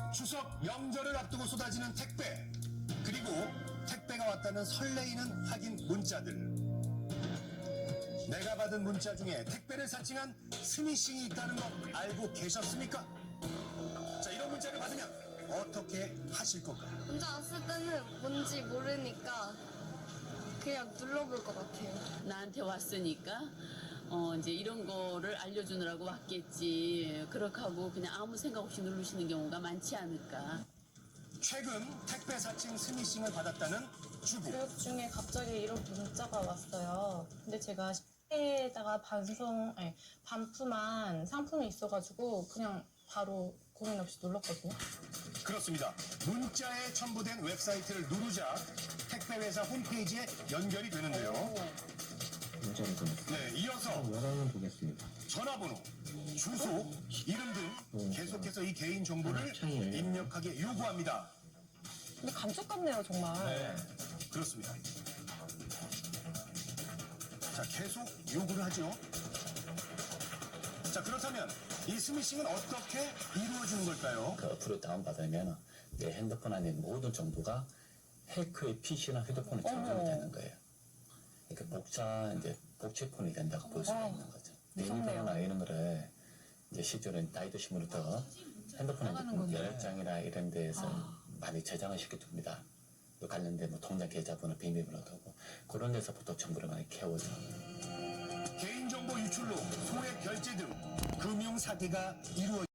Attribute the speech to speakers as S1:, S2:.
S1: 추석 명절을 앞두고 쏟아지는 택배, 그리고 택배가 왔다는 설레이는 확인 문자들. 내가 받은 문자 중에 택배를 사칭한 스미싱이 있다는 거 알고 계셨습니까? 자, 이런 문자를 받으면 어떻게 하실 건가요?
S2: 문자 왔을 때는 뭔지 모르니까 그냥 눌러볼 것 같아요.
S3: 나한테 왔으니까 이제 이런 거를 알려주느라고 왔겠지. 그렇게 하고 그냥 아무 생각 없이 누르시는 경우가 많지 않을까.
S1: 최근 택배 사칭 스미싱을 받았다는 주부.
S4: 교육 중에 갑자기 이런 문자가 왔어요. 근데 제가 시에다가 반품한 상품이 있어가지고 그냥 바로 고민 없이 눌렀거든요.
S1: 그렇습니다. 문자에 첨부된 웹사이트를 누르자 택배 회사 홈페이지에 연결이 되는데요.
S5: 문자를 보냈습니다.
S1: 네, 이어서
S5: 열어는 보겠습니다.
S1: 전화번호, 주소, 이름 등 계속해서 이 개인 정보를 입력하게 요구합니다.
S4: 근데 감쪽 같네요, 정말.
S1: 네, 그렇습니다. 자, 계속 요구를 하죠. 자, 그렇다면 이 스미싱은 어떻게 이루어지는 걸까요?
S6: 그 어플을 다운받으면 내 핸드폰 안에 있는 모든 정보가 해커의 PC나 휴대폰에 저장이 되는 거예요. 그러니까 복제폰이 된다고 볼 수가 있는 거죠. 비밀번호나 이런 거를 이제 실제로 나이도 신문부터 핸드폰에 연락장이나 이런 데에서 많이 저장을 시켜둡니다. 또 관련된 뭐 통장 계좌번호, 비밀번호도 하고 그런 데서부터 정보를 많이 캐오죠.
S1: 개인정보 유출로 소액 결제 등 금융 사기가 이루어집니다.